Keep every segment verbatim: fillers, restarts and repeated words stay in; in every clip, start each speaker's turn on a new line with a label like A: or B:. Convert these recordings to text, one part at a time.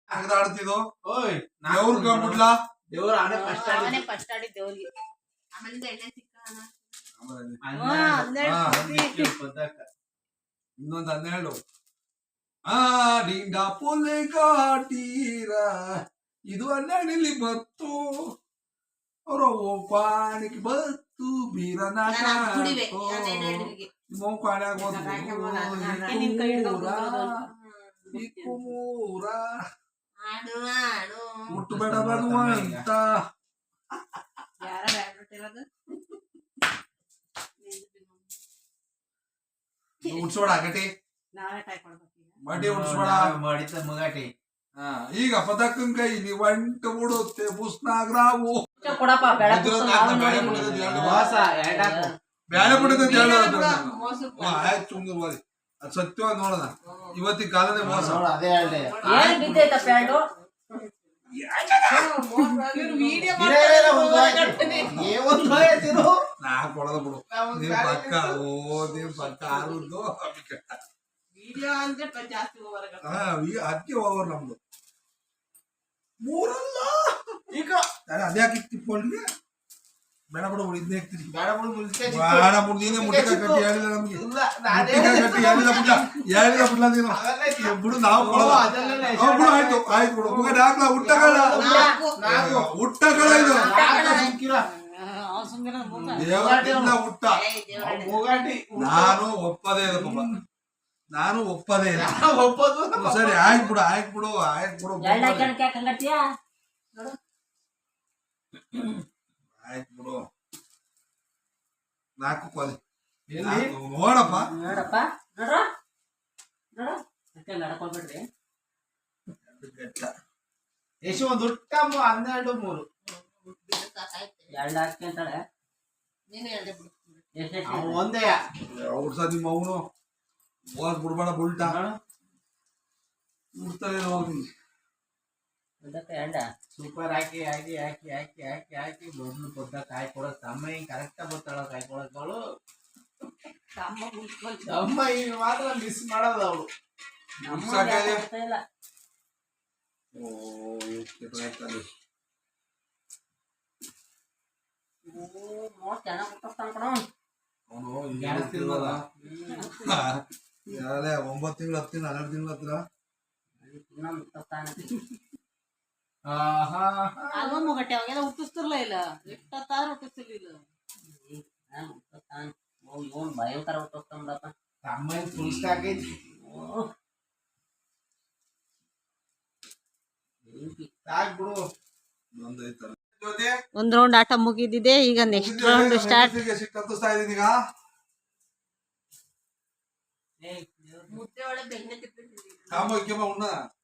A: ಆಡ್ತಿದ್ದು ಓಯ್ ದೇವ್ರ ಕಂಬಿಡ್ಲಾ
B: ದೇವ್ರ ಆನೆ ಫಸ್ಟ್
C: ಅವನೇ ಫಸ್ಟ್ ಆಡಿ ದೇವ್ರಿಗೆ ಆಮೇಲೆ ಎಣ್ಣೆ ಸಿಕ್ಕ
A: ಇನ್ನೊಂದು ಹನ್ನೆರಡು ಆ ಡಿಂಡ ಪೊಲೆ ಕಾಟೀರ ಇದು ಹನ್ನೆರಡಲ್ಲಿ ಬತ್ತು ಅವ್ರ ಪಾಣಿಗೆ ಬತ್ತು ಬೀರನ ಪಾಣ್ಯಾಗ ಮೂರ ಮುಟ್ಟಬೇಡ ಬರುವಂತ ಉಡ್ಸೋಡ ಗಟಿ ಮಡಿ ಉಡ್ಸೋಡ
B: ಮಾಡಿದ ಮಗಾಟಿ
A: ಈಗ ಪದಕನ್ ಕೈ ನೀವು ಅಂಟ ಬಿಡುತ್ತೆ ಪುಸ್ನಾಗ್ರಾವು ಬ್ಯಾಳೆ ಪುಡಿದ ಆಯ್ತು ಸುಂದರವಾದಿ ಅದು ಸತ್ಯವಾಗಿ ನೋಡೋಣ ಇವತ್ತಿನ ಕಾಲನೇ ಮೋಸ
B: ಅದೇ ಹೇಳಿ
A: ನಾ ಕೊಡದ ಬಿಡು ನೀವ್ ಪಕ್ಕ ಓ ನೀವ್ ಪಕ್ಕ ಆರುದ್ದು ಅದಕ್ಕೆ ಹೋಗೋರು ನಮ್ದು ಮೂರಲ್ಲ ಈಗ ಅದೇ ಹಾಕಿ ತಿಪ್ಕೊಂಡ್ರೆ ಬೇಡ ಬಿಡು ಇದನ್ನೇ ಹಾಕ್ತೀನಿ
B: ಬೇಡ ಬಿಡು
A: ಬೇಡ ಬಿಡು ನೀನೇ ಮುಟ್ಟಿಕಾಯಿ ಕಟ್ಟಿ ಹೇಳಿಲ್ಲ ನಮ್ಗೆ ಮುಟ್ಟಿಕಾಯಿ ಕಟ್ಟಿ ಹೇಳಿಲ್ಲ ಬಿಡ್ಲ ಹೇಳಿಲ್ಲ ಬಿಡ್ಲ ನೀನು ಬಿಡು ನಾವು ಬಿಡು ಆಯ್ತು ಆಯ್ತು ಬಿಡು ಮುಗಡೆ ಹಾಕ್ಲ ಹುಟ್ಟಗಳ ಹುಟ್ಟಗಳ ಇದು ದೇವರಿಂದ ಹುಟ್ಟ ನಾನು ಒಪ್ಪದೇ ಇಲ್ಲ ಪಾಪ ನಾನು ಒಪ್ಪದೇ ಇಲ್ಲ
B: ಒಪ್ಪದು
A: ಸರಿ ಆಯ್ತು ಬಿಡು ಆಯ್ತು ಬಿಡು ಆಯ್ತು ಬಿಡು ಆಯ್ತು ಬಿಡು ನಾಲ್ಕು ಕೊಲೆ ನೋಡಪ್ಪ
C: ನೋಡಪ್ಪ ನೋಡ್ರ ನೋಡ ನಡ್ಕೊಳ್ಬೇಡ್ರಿ
B: ಎಷ್ಟು ಒಂದು ಹುಟ್ಟ ಹನ್ನೆರಡು ಮೂರು
C: ಎರಡು ಹಾಕಿ ಅಂತಾಳೆ
B: ಒಂದೇ
A: ಅವ್ರ ಸಹ ನಿಮ್ಮ ಅವನು ಹೋದ್ ಬಿಡ್ಬೇಡ ಬುಲ್ಟ ಬಿಡ್ತಾರೆ ಹೋಗಿ
B: ಸೂಪರ್ ಹಾಕಿ ಹಾಕಿ ಹಾಕಿ ಹಾಕಿ ಹಾಕಿ ಹಾಕಿ ಮೊದ್ಲು ಕೊಟ್ಟ ಕಾಯಿ ಕೊಡೋದು ತಮ್ಮ ಹಿಂಗ್ ಕರೆಕ್ಟ್ ಬರ್ತಾಳ ಕಾಯಿ ಕೊಡೋದು ತಮ್ಮ ಈಗ ಮಾತ್ರ ಮಿಸ್ ಮಾಡೋದು ಅವಳು
A: ಅವನು ಒಂಬತ್ತು ತಿಂಗಳು ಹತ್ತಿನ ಹನ್ನೆರಡು ತಿಂಗಳು ಹತ್ತಿರ
C: ಮುಗಟ್ಟೆ ಅವಾಗೆಲ್ಲ ಹುಟ್ಟಿಸ್ತಿರ್ಲ ಇಲ್ಲ ಎಷ್ಟತ್ತಾರ ಹುಟ್ಟಿಸ್ತಿರ್ಲಿಲ್ಲ ಭಯಂಕರ ಹುಟ್ಟಿಸ್ತಾನಪ್ಪ
B: ತಮ್ಮ ಫುಲ್ ಸ್ಟಾಕ್ ಐತಿ ಸಾಕ್ ಬಿಡು
C: ಒಂದ್ ರೌಂಡ್ ಆಟ ಮುಗಿದಿದೆ ಈಗ ನೆಕ್ಸ್ಟ್ ರೌಂಡ್ ಸ್ಟಾರ್ಟ್
A: ಕತ್ತಿಸ್ತಾ ಇದೀನಿ ಈಗ
C: ಮುದ್ದೆ ಒಳಗೆ ಬೆಣ್ಣೆ
A: ಕಾಮ ಕೆಮ್ಮ ಉಣ್ಣ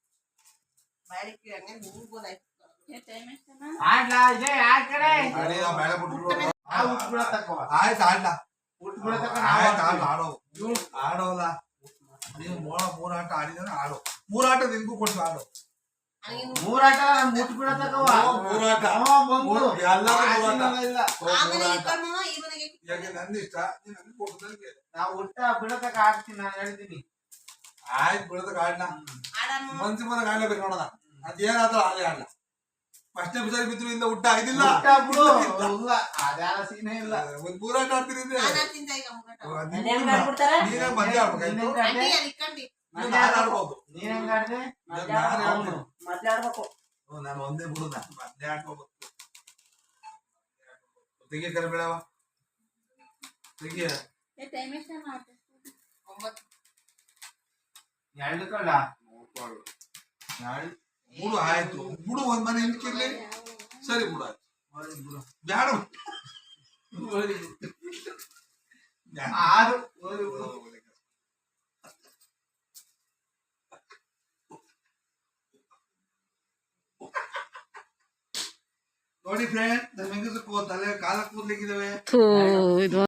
A: ಆಯ್ತು ಆಡ್ಲ ಆಡೋ ಆಡೋಲ್ಲ ನೀವು ಮೋಳ ಮೂರಾಟ ಆಡಿದ್ರೆ ಆಡೋ ಮೂರಾಟ ನಿನ್ಗೂ ಕೊಟ್ಟು ಆಡೋ
B: ಮೂರಾಟ ಮುಟ್ ಬಿಡತಕ್ಕವ
A: ಮೂರಾಟ ನಂದು ಇಷ್ಟ ನನ್ಗೆ ಕೊಡ್ತಂಗೆ
B: ನಾವು ಊಟ ಬಿಡತಕ್ಕ ಆಡ್ತೀನಿ ನಾನು ಹೇಳ್ತೀನಿ
A: ಆಯ್ತು ಬಿಡತಕ್ಕ ಆಡ್ಲ ಮನ್ಸಿ ಬಂದಾಗ ಆಡ್ಲೇಬೇಕು ನೋಡೋಣ ಅದೇನಾದ್ರೂ ಆಡಲೇ ಆಡ್ಲ ಫಸ್ಟ್ ಎಪಿಸೋಡ್ ಬಿದ್ರು ಇಂದ ಊಟ ಆಗಿದಿಲ್ಲ
B: ಬಿಡು ಅದ್ಯಾರ ಸೀನೇ ಇಲ್ಲ
A: ಒಂದ್ ಮೂರಾಟ ಆಡ್ತೀನಿ ನೀನೇ ಮದ್ವೆ ಆಡ್ಬೇಕು
B: ನೀನ್ ಹೆಂಗ ಆಡ್ದೆ
A: ನಾನು ಒಂದೇ ಬಿಡು ಮದ್ವೆ ಆಡ್ಕೋಬೇಕು ತೆಗಿ ಕರೆ ಬೇಡವ ತೆಗಿ
B: ಎರಡು ಕಳ್ಳ
A: ಬಿಡು ಆಯ್ತು ಬಿಡು ಒಂದ್ ಮನೆ ಹಿಂಡ್ಕಿರ್ಲಿ ಸರಿ ಬಿಡು ಆಯ್ತು ಬ್ಯಾಡ
B: ಆರು
A: ನೋಡಿ ಫ್ರೆಂಡ್ ನಮ್ಮ ಹೆಂಗಸಕ್ಕೂ ತಲೆ ಕಾಲ ಕೂದ್ಲಿಕ್ಕಿದಾವೆ